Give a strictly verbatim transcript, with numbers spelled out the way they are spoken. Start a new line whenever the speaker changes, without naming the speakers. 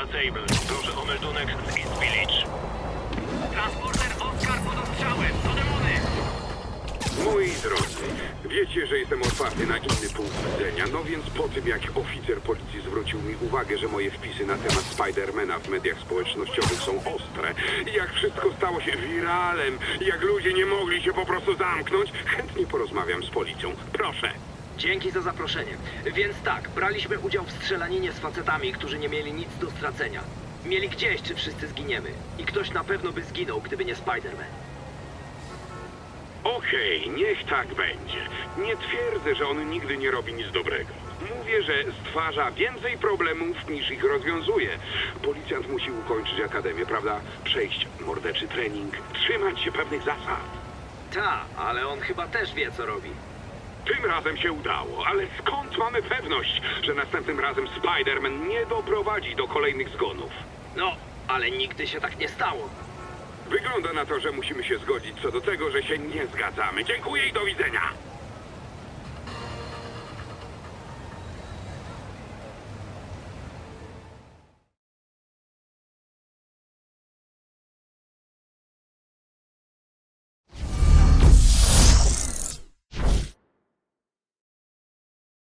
Sable. Proszę o meldunek z East Village.
Transporter Oscar pod ostrzałem. To demony.
Moi drodzy, wiecie, że jestem otwarty na inny punkt widzenia, no więc po tym jak oficer policji zwrócił mi uwagę, że moje wpisy na temat Spidermana w mediach społecznościowych są ostre, jak wszystko stało się wiralem, jak ludzie nie mogli się po prostu zamknąć, chętnie porozmawiam z policją. Proszę.
Dzięki za zaproszenie. Więc tak, braliśmy udział w strzelaninie z facetami, którzy nie mieli nic do stracenia. Mieli gdzieś, czy wszyscy zginiemy. I ktoś na pewno by zginął, gdyby nie Spider-Man.
Okej, niech tak będzie. Nie twierdzę, że on nigdy nie robi nic dobrego. Mówię, że stwarza więcej problemów niż ich rozwiązuje. Policjant musi ukończyć akademię, prawda? Przejść morderczy trening, trzymać się pewnych zasad.
Ta, ale on chyba też wie, co robi.
Tym razem się udało, ale skąd mamy pewność, że następnym razem Spider-Man nie doprowadzi do kolejnych zgonów?
No, ale nigdy się tak nie stało.
Wygląda na to, że musimy się zgodzić co do tego, że się nie zgadzamy. Dziękuję i do widzenia.